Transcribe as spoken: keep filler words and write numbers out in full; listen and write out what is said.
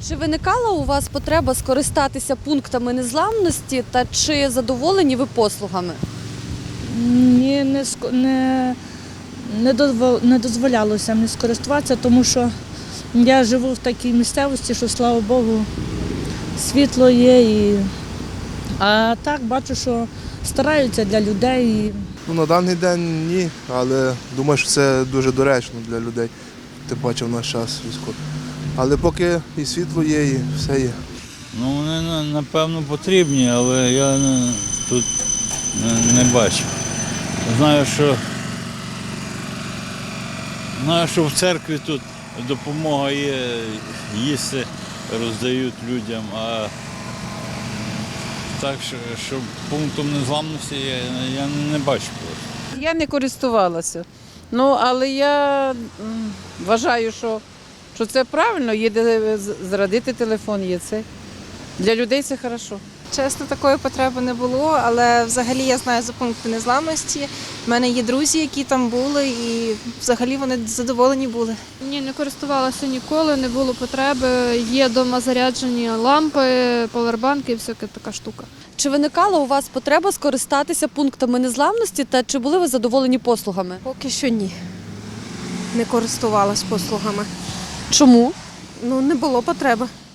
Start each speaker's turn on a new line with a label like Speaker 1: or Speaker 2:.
Speaker 1: Чи виникала у вас потреба скористатися пунктами незламності та чи задоволені ви послугами?
Speaker 2: Ні, не, ск- не, не, дозво- не дозволялося мені скористуватися, тому що я живу в такій місцевості, що, слава Богу, світло є. І... А так бачу, що стараються для людей. І...
Speaker 3: Ну, на даний день ні, але думаю, що це дуже доречно для людей, тим паче в наш час військовий. Але поки і світло є, і все є.
Speaker 4: Ну, вони, на- напевно, потрібні, але я не- тут не, не бачу. Знаю, що, знаю, що в церкві тут допомога є, їсти роздають людям, а так, що, що пунктом незламності я, я не бачу просто.
Speaker 5: Я не користувалася. Ну, але я м, вважаю, що, що це правильно, є де з- зрадити телефон, є це. Для людей це хорошо.
Speaker 6: Чесно, такої потреби не було, але взагалі я знаю за пункти незламності. У мене є друзі, які там були, і взагалі вони задоволені були.
Speaker 7: Ні, не користувалася ніколи, не було потреби. Є вдома заряджені лампи, павербанки і всяка така штука.
Speaker 1: Чи виникала у вас потреба скористатися пунктами незламності та чи були ви задоволені послугами?
Speaker 8: Поки що ні. Не користувалась послугами.
Speaker 1: Чому?
Speaker 8: Ну, не було потреби.